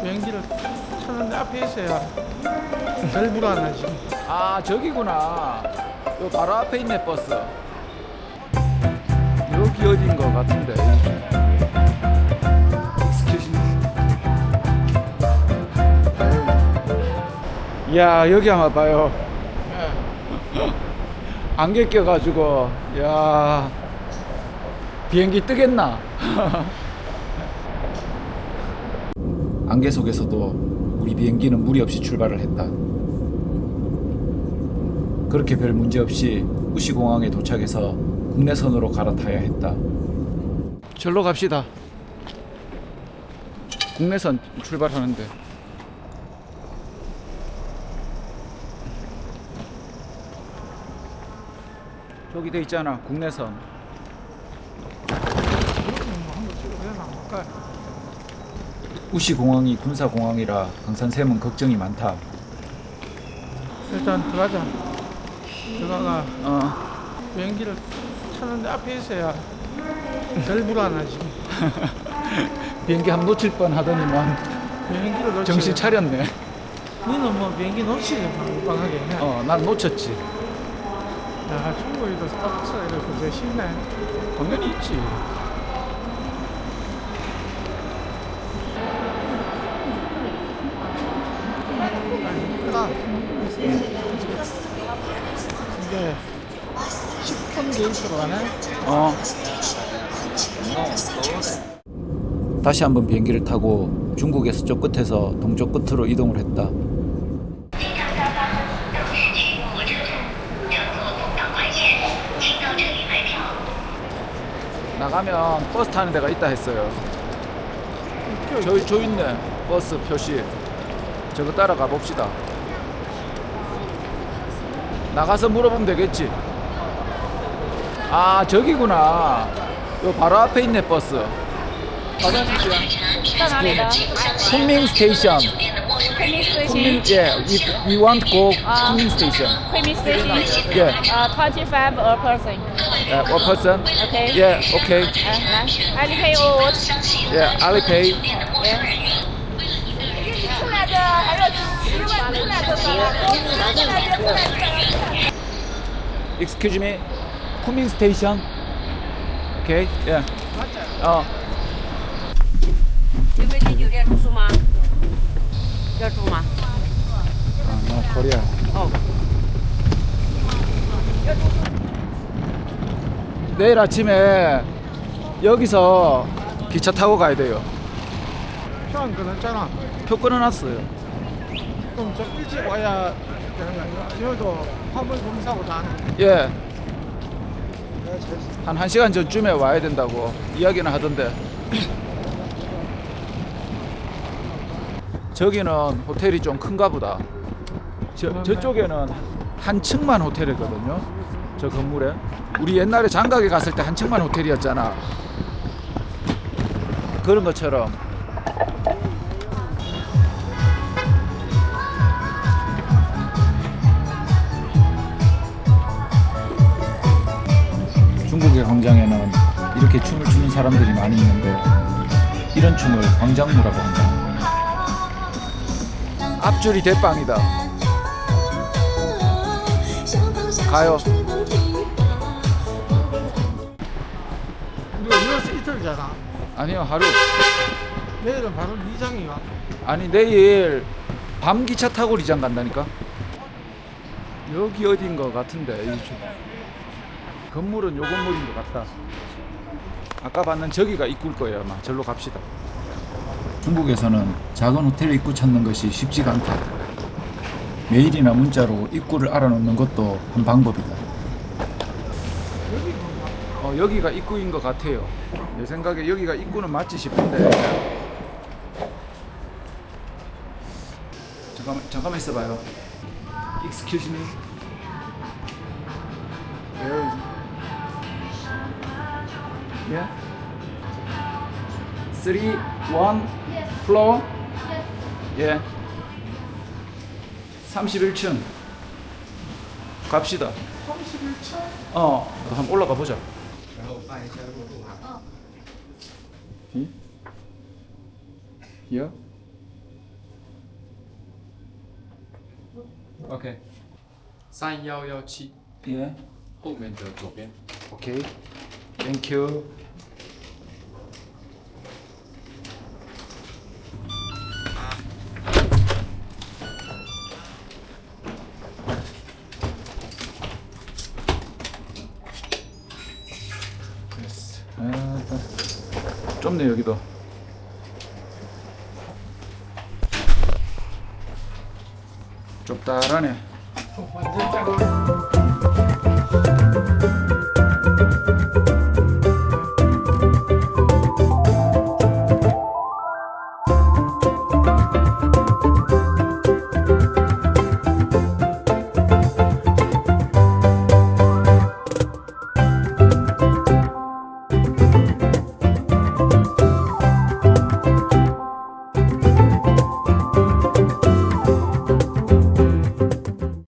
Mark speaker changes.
Speaker 1: 비행기를 타는데 앞에 있어야 덜 불안하지.
Speaker 2: 아 저기구나. 요 바로 앞에 있네 버스. 여기 어딘 거 같은데. 야 여기 한번 봐요. 안개 껴가지고 야 비행기 뜨겠나? 안개 속에서도 우리 비행기는 무리 없이 출발을 했다. 그렇게 별 문제 없이 우시공항에 도착해서 국내선으로 갈아타야 했다. 절로 갑시다. 국내선 출발하는데. 저기 돼 있잖아 국내선. 우시공항이 군사공항이라 강산샘은 걱정이 많다.
Speaker 1: 일단 들어가자. 들어가가 비행기를 타는데 앞에 있어야 덜 불안하지.
Speaker 2: 비행기 한 놓칠 뻔 하더니만
Speaker 1: 비행기를 놓치면
Speaker 2: 정신 차렸네.
Speaker 1: 너는 뭐 비행기 놓치지 빵빵하게.
Speaker 2: 난 놓쳤지.
Speaker 1: 야, 중국에도 스타벅스가 이렇게 제일 쉽네.
Speaker 2: 당연히 있지.
Speaker 1: 나 이게 10분 게이트로 가네.
Speaker 2: 다시 한번 비행기를 타고 중국의 서쪽 끝에서 동쪽 끝으로 이동을 했다. 나가면 버스 타는 데가 있다 했어요. 저 있네 버스 표시. 저거 따라가 봅시다. 나가서 물어보면 되겠지. 아 저기구나. 요 바로 앞에 있네 버스.
Speaker 3: 到哪里的？
Speaker 2: 쿤밍 스테이션.
Speaker 3: 昆明
Speaker 2: 쿤밍
Speaker 3: station。
Speaker 2: yeah we want go 쿤밍 스테이션.
Speaker 3: 昆明 station。
Speaker 2: yeah
Speaker 3: 25 a person。
Speaker 2: one person
Speaker 3: OK。
Speaker 2: yeah okay
Speaker 3: 来，Alipay or what？
Speaker 2: yeah Alipay
Speaker 3: 出来的还要10万出来的吧？
Speaker 2: excuse me 쿤밍 스테이션 okay yeah
Speaker 4: 你们进酒店住宿吗？要住吗？
Speaker 2: no Korea
Speaker 4: 哦，
Speaker 2: 내일 아침에 여기서 기차 타고 가야 돼요.
Speaker 1: 표 안 끊었잖아.
Speaker 2: 표 끊어놨어요.
Speaker 1: 그럼 좀 일찍 와야 되는 거 아니야? 여기도 화물 검사고 다 하는.
Speaker 2: 예. 한 1시간 전쯤에 와야 된다고 이야기는 하던데. 저기는 호텔이 좀 큰가 보다. 저쪽에는 한 층만 호텔이거든요. 저 건물에. 우리 옛날에 장가게 갔을 때 한 층만 호텔이었잖아. 그런 것처럼. 중국의 광장에는 이렇게 춤을 추는 사람들이 많이 있는데 이런 춤을 광장무라고 한다. 앞줄이 대빵이다. 가요.
Speaker 1: 우리가 이어서 이틀잖아.
Speaker 2: 아니요 하루.
Speaker 1: 내일은 바로 리장이가.
Speaker 2: 아니 내일 밤 기차 타고 리장 간다니까. 여기 어딘 거 같은데 건물은 요 건물인 것 같다. 아까 봤는 저기가 입구일 거예요 아마. 절로 갑시다. 중국에서는 작은 호텔 입구 찾는 것이 쉽지가 않다. 메일이나 문자로 입구를 알아놓는 것도 한 방법이다. 여기가 입구인 것 같아요. 내 생각에 여기가 입구는 맞지 싶은데. 잠깐만 있어봐요. Excuse me. Where is it? Yeah. 3, 1, floor. Yeah. 31층. 갑시다.
Speaker 1: 31층?
Speaker 2: 한번 올라가 보자. Here? OK
Speaker 5: 3117
Speaker 2: 예
Speaker 5: 后面的左边。
Speaker 2: OK Thank you 됐어. 좁네 여기도. 좁다라네.
Speaker 1: 완전 작아.